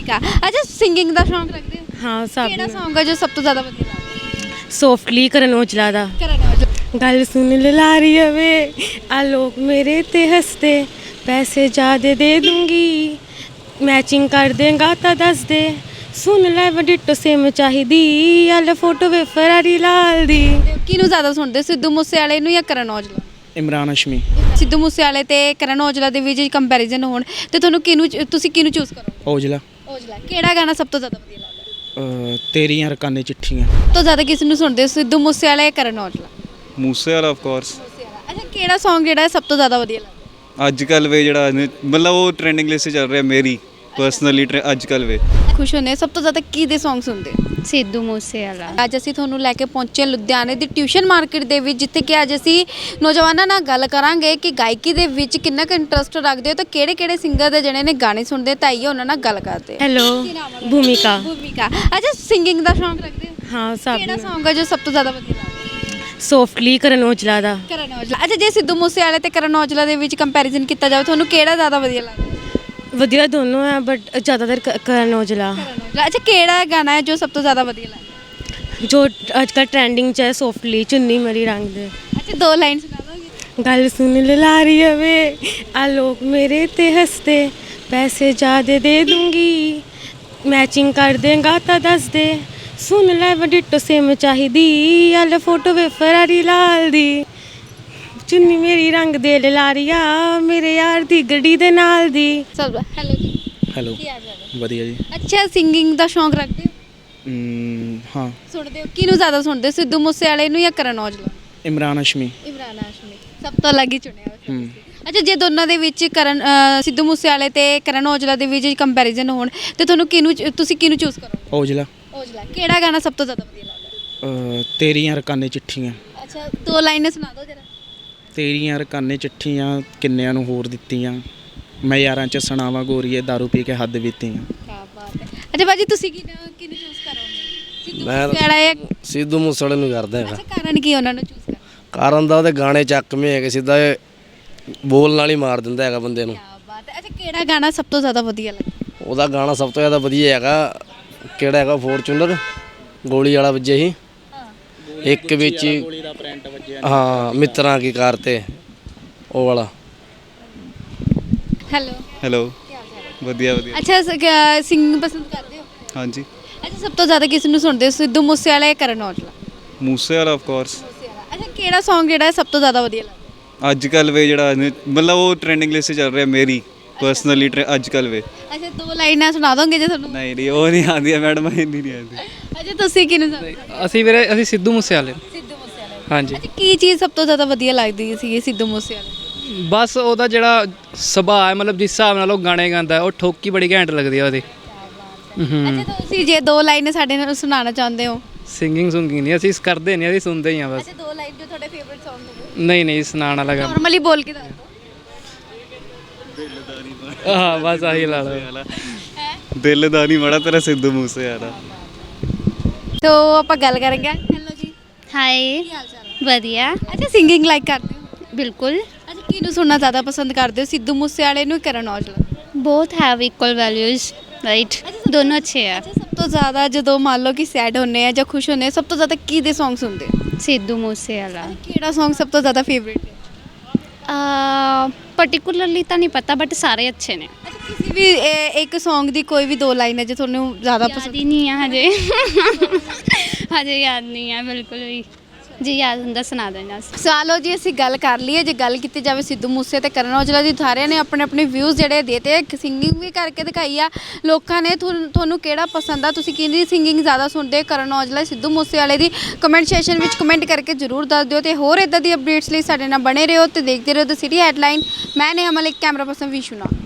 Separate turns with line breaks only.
ਭੂਮਿਕਾ। ਅੱਛਾ ਸਿੰਗਿੰਗ ਦਾ ਸ਼ੌਂਕ ਰੱਖਦੇ ਹੋ?
ਹਾਂ ਸਭ
ਕਿਹੜਾ Song ਹੈ ਜੋ ਸਭ ਤੋਂ ਜ਼ਿਆਦਾ ਵਧੀਆ ਲੱਗਦਾ?
ਸੌਫਟਲੀ ਕਰਨ ਔਜਲਾ ਦਾ
ਕਰਨ ਔਜਲਾ।
ਗੱਲ ਸੁਣ ਲਲਾਰੀ ਵੇ ਆ ਲੋਕ ਮੇਰੇ ਤੇ ਹੱਸਦੇ ਪੈਸੇ ਜ਼ਿਆਦੇ ਦੇ ਦੂੰਗੀ ਮੈਚਿੰਗ ਕਰ ਦੇਗਾ ਤਾਂ ਦੱਸ ਦੇ ਸੁਣ ਲੈ ਵਡਿੱਟੋ ਸੇਮ ਚਾਹੀਦੀ ਆ ਲੈ ਫੋਟੋ ਵੇ ਫਰਾਰੀ ਲਾਲ ਦੀ।
ਕਿਹਨੂੰ ਜ਼ਿਆਦਾ ਸੁਣਦੇ ਹੋ, ਸਿੱਧੂ ਮੂਸੇਵਾਲੇ ਨੂੰ ਜਾਂ ਕਰਨ ਔਜਲਾ?
ਇਮਰਾਨ ਹਸ਼ਮੀ।
ਸਿੱਧੂ ਮੂਸੇਵਾਲੇ ਤੇ ਕਰਨ ਔਜਲਾ ਦੇ ਵਿੱਚ ਕੰਪੈਰੀਜ਼ਨ ਹੋਣ ਤੇ ਤੁਸੀਂ ਕਿਹਨੂੰ ਚੂਜ਼ ਕਰੋ?
ਔਜਲਾ।
ਔਜਲਾ। ਕਿਹੜਾ ਗਾਣਾ ਸਭ ਤੋਂ ਜ਼ਿਆਦਾ ਵਧੀਆ ਲੱਗਦਾ?
ਤੇਰੀਆਂ ਰਕਾਨੇ ਚਿੱਠੀਆਂ।
ਸਭ ਤੋਂ ਜ਼ਿਆਦਾ ਕਿਸ ਨੂੰ ਸੁਣਦੇ ਹੋ, ਸਿੱਧੂ ਮੂਸੇਵਾਲਾ ਜਾਂ ਕਰਨ ਔਜਲਾ?
Moosewala of course.
ਅੱਛਾ ਕਿਹੜਾ Song ਜਿਹੜਾ ਹੈ ਸਭ ਤੋਂ ਜ਼ਿਆਦਾ ਵਧੀਆ ਲੱਗਦਾ?
ਅੱਜ ਕੱਲ ਵੇ ਜਿਹੜਾ ਮਤਲਬ ਉਹ ਟ੍ਰੈਂਡਿੰਗ ਲਿਸਟ 'ਚ ਚੱਲ ਰਿਹਾ ਮੇਰੀ ਪਰਸਨਲੀ ਅੱਜ ਕੱਲ ਵੇ।
ਖੁਸ਼ ਹੁੰਦੇ ਸਭ ਤੋਂ ਜ਼ਿਆਦਾ ਕਿਹਦੇ Song ਸੁਣਦੇ ਹੋ?
ਸਿੱਧੂ ਮੂਸੇਵਾਲਾ।
ਅੱਜ ਅਸੀਂ ਤੁਹਾਨੂੰ ਲੈ ਕੇ ਪਹੁੰਚੇ ਲੁਧਿਆਣੇ ਦੀ ਟਿਊਸ਼ਨ ਮਾਰਕੀਟ ਦੇ ਵਿੱਚ, ਜਿੱਥੇ ਕਿ ਅੱਜ ਅਸੀਂ ਨੌਜਵਾਨਾਂ ਨਾਲ ਗੱਲ ਕਰਾਂਗੇ ਕਿ ਗਾਇਕੀ ਦੇ ਵਿੱਚ ਕਿੰਨਾ ਕੁ ਇੰਟਰਸਟ ਰੱਖਦੇ ਹੋ ਤੇ ਕਿਹੜੇ ਸਿੰਗਰ ਦੇ ਜਿਹੜੇ ਨੇ ਗਾਣੇ ਸੁਣਦੇ ਤਾਂ ਆਈਏ ਉਹਨਾਂ ਨਾਲ ਗੱਲ ਕਰਦੇ ਹਾਂ।
ਹੈਲੋ ਭੂਮਿਕਾ।
ਭੂਮਿਕਾ। ਅੱਛਾ ਸਿੰਗਿੰਗ ਦਾ ਸ਼ੌਂਕ ਰੱਖਦੇ ਹੋ?
ਹਾਂ ਸਭ
ਕਿਹੜਾ Song ਹੈ ਜੋ ਸਭ ਤੋਂ ਜ਼ਿਆਦਾ ਵਧੀਆ ਲੱਗਦਾ?
ਸੌਫਟਲੀ ਕਰਨ ਔਜਲਾ ਦਾ
ਕਰਨ ਔਜਲਾ। ਅੱਛਾ ਜੇ ਸਿੱਧੂ ਮੂਸੇਵਾਲੇ ਤੇ ਕਰਨ ਔਜਲਾ ਦੇ ਵਿੱਚ ਕੰਪੈਰੀਜ਼ਨ ਕੀਤਾ ਜਾਵੇ ਤੁਹਾਨੂੰ ਕਿਹੜਾ ਜ਼ਿਆਦਾ ਵਧੀਆ ਲੱਗਦਾ?
ਵਧੀਆ ਦੋਨੋਂ ਹੈ ਬਟ ਜ਼ਿਆਦਾਤਰ ਕਰਨ ਔਜਲਾ।
ਕਰਨ ਔਜਲਾ। ਅੱਛਾ ਕਿਹੜਾ ਗਾਣਾ ਹੈ ਜੋ ਸਭ ਤੋਂ ਜ਼ਿਆਦਾ ਵਧੀਆ ਲੱਗਦਾ?
ਜੋ ਅੱਜ ਕੱਲ੍ਹ ਟ੍ਰੈਂਡਿੰਗ 'ਚ ਹੈ ਸੌਫਟਲੀ ਚੁੰਨੀ ਮੇਰੀ ਰੰਗ ਦੇ।
ਅੱਛਾ ਦੋ ਲਾਈਨ ਸੁਣਾ ਦੋਗੇ?
ਗੱਲ ਸੁਣ ਲਲਾਰੀ ਵੇ ਆ ਲੋਕ ਮੇਰੇ ਤੇ ਹੱਸਦੇ ਪੈਸੇ ਜ਼ਿਆਦੇ ਦੇ ਦੂੰਗੀ ਮੈਚਿੰਗ ਕਰ ਦੇਗਾ ਤਾਂ ਦੱਸ ਦੇ ਸੁਣ ਲੈ ਵਡਿੱਟੋ ਸੇਮ ਚਾਹੀਦੀ ਆ ਲੈ ਫੋਟੋ ਵੇ ਫਰਾਰੀ ਲਾਲ ਦੀ ਚੁੰਨੀ ਮੇਰੀ ਰੰਗ ਦੇ ਲਲਾਰੀਆ ਮੇਰੇ ਯਾਰ ਦੀ ਗੱਡੀ ਦੇ ਨਾਲ ਦੀ।
ਸਭ ਹੈਲੋ ਜੀ।
ਹੈਲੋ।
ਕੀ ਹਾਲ ਚਾਲ ਹੈ?
ਵਧੀਆ ਜੀ।
ਅੱਛਾ ਸਿੰਗਿੰਗ ਦਾ ਸ਼ੌਂਕ ਰੱਖਦੇ ਹੋ?
ਹਾਂ।
ਸੁਣਦੇ ਹੋ? ਕਿਹਨੂੰ ਜ਼ਿਆਦਾ ਸੁਣਦੇ ਹੋ, ਸਿੱਧੂ ਮੂਸੇਵਾਲੇ ਨੂੰ ਜਾਂ ਕਰਨ ਔਜਲਾ?
ਇਮਰਾਨ ਹਸ਼ਮੀ।
ਇਮਰਾਨ ਹਾਸ਼ਮੀ। ਸਭ ਤੋਂ ਅਲੱਗ ਹੀ ਚੁਣਿਆ ਹੋਇਆ। ਅੱਛਾ ਜੇ ਦੋਨਾਂ ਦੇ ਵਿੱਚ ਸਿੱਧੂ ਮੂਸੇਵਾਲੇ ਤੇ ਕਰਨ ਔਜਲਾ ਦੇ ਵਿੱਚ ਕੰਪੈਰੀਜ਼ਨ ਹੋਣ ਤੇ ਤੁਸੀਂ ਕਿਹਨੂੰ ਚੂਜ਼ ਕਰੋ?
ਔਜਲਾ।
ਔਜਲਾ। ਕਿਹੜਾ ਗਾਣਾ ਸਭ ਤੋਂ ਜ਼ਿਆਦਾ ਵਧੀਆ ਲੱਗਦਾ?
ਤੇਰੀਆਂ ਰਕਾਨੇ ਚਿੱਠੀਆਂ।
ਅੱਛਾ ਦੋ ਲਾਈਨਾਂ ਸੁਣਾ ਦਿਓ ਜਰਾ।
ਤੇਰੀਆਂ ਰਕਾਨੇ ਚਿੱਠੀਆਂ ਕਿੰਨਿਆਂ ਨੂੰ ਹੋਰ ਦਿੱਤੀਆਂ ਮੈਂ ਯਾਰਾਂ 'ਚ ਸੁਣਾਵਾਂ ਗੋਰੀਏ ਦਾਰੂ ਪੀ ਕੇ ਹੱਦ ਬੀਤੀਆਂ।
ਕੀ ਬਾਤ ਹੈ। ਅੱਛਾ ਬਾਜੀ ਤੁਸੀਂ ਕਿਹਨੂੰ ਚੂਜ਼ ਕਰੋਗੇ, ਸਿੱਧੂ
ਮੈਂ
ਮੂਸੇਵਾਲਾ ਜਾਂ?
ਸਿੱਧੂ ਮੂਸੇਵਾਲੇ ਨੂੰ ਕਰਦਾ ਹੈਗਾ।
ਅੱਛਾ ਕਾਰਨ ਕੀ ਉਹਨਾਂ ਨੂੰ ਚੂਜ਼ ਕਰਨਾ?
ਕਾਰਨ ਦਾ ਉਹਦੇ ਗਾਣੇ ਚੱਕਵੇਂ ਹੈਗੇ ਸਿੱਧਾ ਇਹ ਬੋਲ ਨਾਲ ਹੀ ਮਾਰ ਦਿੰਦਾ ਹੈਗਾ ਬੰਦੇ ਨੂੰ।
ਕੀ ਬਾਤ ਹੈ। ਅੱਛਾ ਕਿਹੜਾ ਗਾਣਾ ਸਭ ਤੋਂ ਜ਼ਿਆਦਾ ਵਧੀਆ ਲੱਗਦਾ?
ਉਹਦਾ ਗਾਣਾ ਸਭ ਤੋਂ ਜ਼ਿਆਦਾ ਵਧੀਆ ਹੈਗਾ ਕਿਹੜਾ ਹੈਗਾ ਫੋਰਚੂਨਰ ਗੋਲੀ ਵਾਲਾ ਵੱਜੇ ਸੀ ਇੱਕ ਵਿੱਚ
ਗੋਲੀ ਦਾ ਪ੍ਰਿੰਟ ਵੱਜਿਆ।
ਹਾਂ ਮਿੱਤਰਾਂ ਕੀ ਕਰਤੇ ਉਹ ਵਾਲਾ।
ਹੈਲੋ।
ਹੈਲੋ।
ਕੀ ਹਾਲ ਚਾਲ ਹੈ?
ਵਧੀਆ ਵਧੀਆ।
ਅੱਛਾ ਸਿੰਗਿੰਗ ਪਸੰਦ ਕਰਦੇ ਹੋ?
ਹਾਂਜੀ।
ਅੱਛਾ ਸਭ ਤੋਂ ਜ਼ਿਆਦਾ ਕਿਸ ਨੂੰ ਸੁਣਦੇ ਹੋ, ਸਿੱਧੂ ਮੂਸੇਵਾਲਾ ਜਾਂ ਕਰਨ ਔਜਲਾ?
Moosewala of course.
ਅੱਛਾ ਕਿਹੜਾ Song ਜਿਹੜਾ ਹੈ ਸਭ ਤੋਂ ਜ਼ਿਆਦਾ ਵਧੀਆ ਲੱਗਦਾ?
ਅੱਜ ਕੱਲ ਵੇ ਜਿਹੜਾ ਮਤਲਬ ਉਹ ਟ੍ਰੈਂਡਿੰਗ ਲਿਸਟ 'ਚ ਚੱਲ ਰਿਹਾ ਮੇਰੀ ਪਰਸਨਲੀ ਅੱਜ ਕੱਲ ਵੇ।
ਅੱਛਾ ਦੋ ਲਾਈਨਾਂ ਸੁਣਾ ਦੋਗੇ ਜੇ ਤੁਹਾਨੂੰ?
ਨਹੀਂ ਉਹ ਨਹੀਂ ਆਉਂਦੀ ਮੈਡਮ ਇੰਨੀ ਨਹੀਂ ਆਉਂਦੀ।
ਅੱਛਾ ਤੁਸੀਂ ਕਿਹਨੂੰ ਸੁਣਦੇ ਹੋ?
ਅਸੀਂ ਸਿੱਧੂ ਮੂਸੇਵਾਲੇ।
ਸਿੱਧੂ ਮੂਸੇਵਾਲਾ।
ਹਾਂਜੀ
ਅੱਛਾ ਕੀ ਚੀਜ਼ ਸਭ ਤੋਂ ਜ਼ਿਆਦਾ ਵਧੀਆ ਲੱਗਦੀ ਸੀ ਸਿੱਧੂ ਮੂਸੇਵਾਲੇ?
ਬਸ ਉਹਦਾ ਜਿਹੜਾ ਸੁਭਾਅ ਹੈ ਮਤਲਬ ਜਿਸ ਹਿਸਾਬ ਨਾਲ ਉਹ ਗਾਣੇ ਗਾਉਂਦਾ ਉਹ ਠੋਕੀ ਬੜੀ ਘੈਂਟ ਲੱਗਦੀ ਆ ਉਹਦੀ।
ਅੱਛਾ ਤੁਸੀਂ ਜੇ ਦੋ ਲਾਈਨਾਂ ਸਾਡੇ ਨਾਲ ਸੁਣਾਉਣਾ ਚਾਹੁੰਦੇ ਹੋ?
ਸਿੰਗਿੰਗ ਨਹੀਂ ਅਸੀਂ ਕਰਦੇ ਨਹੀਂ ਅਸੀਂ ਸੁਣਦੇ ਹੀ ਆ ਬਸ।
ਅੱਛਾ ਦੋ ਲਾਈਨ ਜੋ ਤੁਹਾਡੇ ਫੇਵਰਿਟ Song ਹੋਵੇ?
ਨਹੀਂ ਸੁਣਾਉਣ ਵਾਲਾ ਗਾਣਾ।
ਨਾਰਮਲੀ ਬੋਲ ਕੇ ਦੱਸ ਦਿਓ।
ਹਾਂ ਬਸ ਆਹੀ ਲਾ ਲਓ।
ਦਿਲ ਦਾ ਨਹੀਂ ਮੜਾ ਤੇਰਾ ਸਿੱਧੂ ਮੂਸੇਵਾਲਾ।
ਤੋ ਆਪਾਂ ਗੱਲ ਕਰਾਂਗੇ। ਹੈਲੋ ਜੀ।
ਹਾਏ
ਕੀ ਹਾਲ ਚਾਲ ਹੈ?
ਵਧੀਆ
ਅੱਛਾ ਸਿੰਗਿੰਗ ਲਾਈਕ ਕਰਦੇ ਹੋ?
ਬਿਲਕੁਲ
ਅੱਛਾ ਕਿਹਨੂੰ ਸੁਣਨਾ ਜ਼ਿਆਦਾ ਪਸੰਦ ਕਰਦੇ ਹੋ, ਸਿੱਧੂ ਮੂਸੇਵਾਲੇ ਨੂੰ ਕਰਨ Aujla?
both have equal values right ਦੋਨੋਂ ਅੱਛੇ ਆ।
ਅੱਛਾ ਸਭ ਤੋਂ ਜ਼ਿਆਦਾ ਜਦੋਂ ਮੰਨ ਲਓ ਕਿ ਸੈਡ ਹੁੰਨੇ ਆ ਜਾਂ ਖੁਸ਼ ਹੁੰਨੇ ਆ ਸਭ ਤੋਂ ਜ਼ਿਆਦਾ ਕਿਹਦੇ Song ਸੁਣਦੇ ਹੋ?
ਸਿੱਧੂ ਮੂਸੇਵਾਲਾ।
ਕਿਹੜਾ Song ਸਭ ਤੋਂ ਜ਼ਿਆਦਾ ਫੇਵਰਿਟ ਹੈ?
ਪਾਰਟਿਕੂਲਰਲੀ ਤਾਂ ਨਹੀਂ ਪਤਾ ਬਟ ਸਾਰੇ ਅੱਛੇ ਨੇ।
ਅੱਛਾ ਕਿਸੇ ਵੀ ਇੱਕ Song ਦੀ ਕੋਈ ਵੀ ਦੋ ਲਾਈਨ ਹੈ ਜੋ ਤੁਹਾਨੂੰ ਜ਼ਿਆਦਾ
ਯਾਦ
ਪਸੰਦ?
ਹੀ ਨਹੀਂ ਆ ਹਜੇ ਹਜੇ ਯਾਦ ਨਹੀਂ ਆ ਬਿਲਕੁਲ ਵੀ। ਜੀ ਯਾਦ ਹੁੰਦਾ ਸੁਣਾ ਦੇਣਾ।
ਸਾਲੋ ਜੀ ਅਸੀਂ ਗੱਲ ਕਰ ਲਈਏ, ਜੇ ਗੱਲ ਕੀਤੀ ਜਾਵੇ ਸਿੱਧੂ ਮੂਸੇ ਤੇ ਕਰਨ ਔਜਲਾ ਦੀ, ਸਾਰਿਆਂ ਨੇ ਆਪਣੇ ਵਿਊਜ਼ ਜਿਹੜੇ ਦੇਤੇ, ਸਿੰਗਿੰਗ ਵੀ ਕਰਕੇ ਦਿਖਾਈ ਆ ਲੋਕਾਂ ਨੇ। ਤੁਹਾਨੂੰ ਕਿਹੜਾ ਪਸੰਦ ਆ, ਤੁਸੀਂ ਕਿਹਦੀ ਸਿੰਗਿੰਗ ਜ਼ਿਆਦਾ ਸੁਣਦੇ, ਕਰਨ ਔਜਲਾ ਸਿੱਧੂ ਮੂਸੇ ਵਾਲੇ ਦੀ? ਕਮੈਂਟ ਸੈਕਸ਼ਨ ਵਿੱਚ ਕਮੈਂਟ ਕਰਕੇ ਜ਼ਰੂਰ ਦੱਸ ਦਿਓ ਤੇ ਹੋਰ ਇਦਾਂ ਦੀ ਅਪਡੇਟਸ ਲਈ ਸਾਡੇ ਨਾਲ ਬਣੇ ਰਹੋ ਤੇ ਦੇਖਦੇ ਰਹੋ ਦ ਸਿਟੀ ਹੈਡਲਾਈਨ। ਮੈਂ ਨੇ ਅਮਲ ਇੱਕ ਕੈਮਰਾ ਪਰਸਨ ਵਿਸ਼ੂ ਨਾਲ।